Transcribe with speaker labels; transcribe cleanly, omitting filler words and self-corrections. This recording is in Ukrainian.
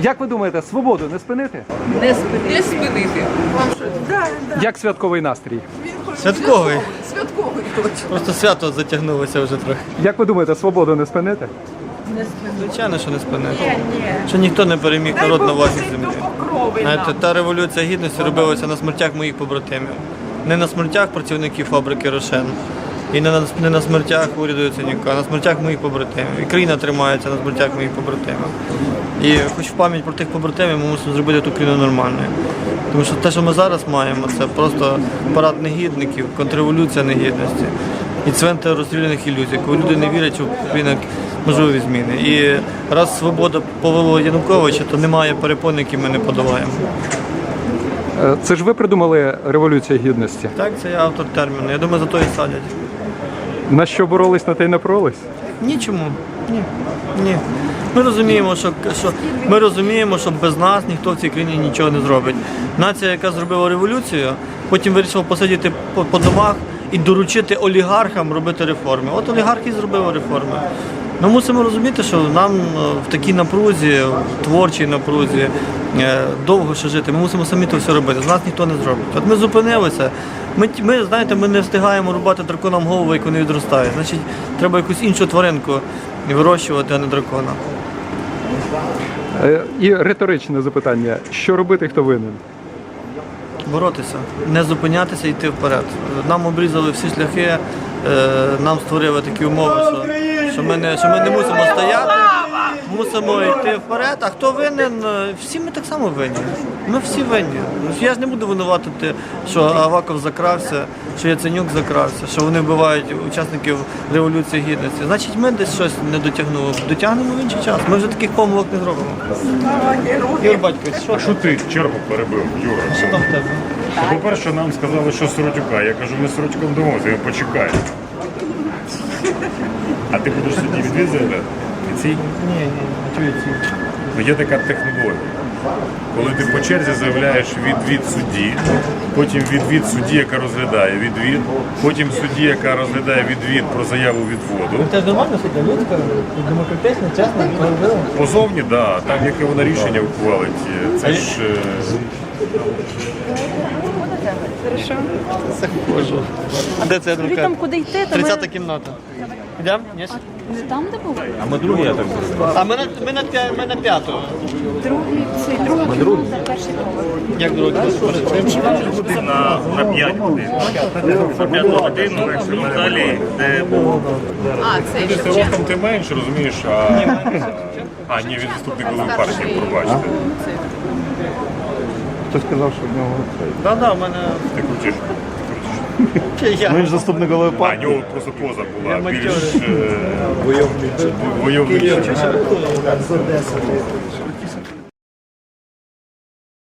Speaker 1: Як ви думаєте, свободу не спинити?
Speaker 2: Не спинити. Вам що? Да.
Speaker 1: Як святковий настрій?
Speaker 3: Святковий.
Speaker 2: Святковий точно.
Speaker 3: Просто свято затягнулося вже трохи.
Speaker 1: Як ви думаєте, свободу не спинити?
Speaker 2: Не спинити.
Speaker 3: Звичайно, що не спинити.
Speaker 2: Ні.
Speaker 3: Що ніхто не переміг народ на власній
Speaker 2: Дай
Speaker 3: землі.
Speaker 2: Бог покрови
Speaker 3: Знаєте,
Speaker 2: нам.
Speaker 3: та революція гідності робилася на смертях моїх побратимів. Не на смертях працівників фабрики «Рошен». І не на смертях уряду Яценюка, а на смертях моїх побратимів. І країна тримається на смертях моїх побратимів. І хоч в пам'ять про тих побратимів ми мусимо зробити ту країну нормальною. Тому що те, що ми зараз маємо, це просто парад негідників, контрреволюція негідності і цвинтар розстріляних ілюзій, коли люди не вірять, що Україна можливі зміни. І раз свобода повела Януковича, то немає перепон, які ми не подолаємо.
Speaker 1: Це ж ви придумали Революцію Гідності.
Speaker 3: Так, це я автор терміну. Я думаю, за то і садять.
Speaker 1: На що боролись, на те й напоролись?
Speaker 3: Нічому. Ні. Ми розуміємо, що без нас ніхто в цій країні нічого не зробить. Нація, яка зробила революцію, потім вирішила посидіти по домах і доручити олігархам робити реформи. От олігархи зробили реформи. Ми мусимо розуміти, що нам в такій напрузі, в творчій напрузі, довго ще жити. Ми мусимо самі це все робити. З нас ніхто не зробить. От ми зупинилися. Ми не встигаємо рубати драконам голову, як вони відростають. Значить, треба якусь іншу тваринку вирощувати, а не дракона.
Speaker 1: І риторичне запитання. Що робити, хто винен?
Speaker 3: Боротися, не зупинятися і йти вперед. Нам обрізали всі шляхи, нам створили такі умови, що ми не мусимо стояти, мусимо йти вперед. А хто винен? Всі ми так само винні. Ми всі винні. Я ж не буду винуватити, що Аваков закрався, що Яценюк закрався, що вони вбивають учасників Революції Гідності. Значить, ми десь щось не дотягнули. Дотягнемо в інший час. Ми вже таких помилок не зробимо. Ігор Батькович,
Speaker 4: Що ти чергу перебив, Юра?
Speaker 3: що там в тебе?
Speaker 4: По-перше, нам сказали, що Сиротюка. Я кажу, ми з Сиротюком домовимося, він почекає. А ти будеш судді відвід заявляти? І цій?
Speaker 3: Ні, чую ці.
Speaker 4: Ну, є така технологія. Коли ти по черзі заявляєш відвід судді, потім відвід судді, яка розглядає відвід, потім судді, яка розглядає відвід про заяву відводу.
Speaker 3: Це ж нормально, що для людська, демократична, чесна, справедлива.
Speaker 4: Позовні, так, да, там яке вона рішення ухвалить. Це ж...
Speaker 5: Хорошо.
Speaker 3: Заходжу. А де це
Speaker 5: Ви
Speaker 3: адвокат?
Speaker 5: там куди йти, то
Speaker 3: 30-та
Speaker 5: ми...
Speaker 3: кімната. Йдемо? Ні?
Speaker 5: Не там, де були?
Speaker 3: А ми на п'яту.
Speaker 5: Другий, цей другий, перший поверх.
Speaker 3: Як другий?
Speaker 4: На 5 годин. На 5 годину, далі, де
Speaker 2: Це
Speaker 4: Ти ростом ти менше, розумієш, а ні, він заступник голови партії, пробачте.
Speaker 6: Хтось сказав, що в нього
Speaker 3: Так, в мене...
Speaker 4: Ти крутиш.
Speaker 6: Він ж заступник голови
Speaker 4: А,
Speaker 6: партії.
Speaker 4: в нього просто поза була більш
Speaker 3: матьорий.
Speaker 4: войовнича.
Speaker 3: Київ,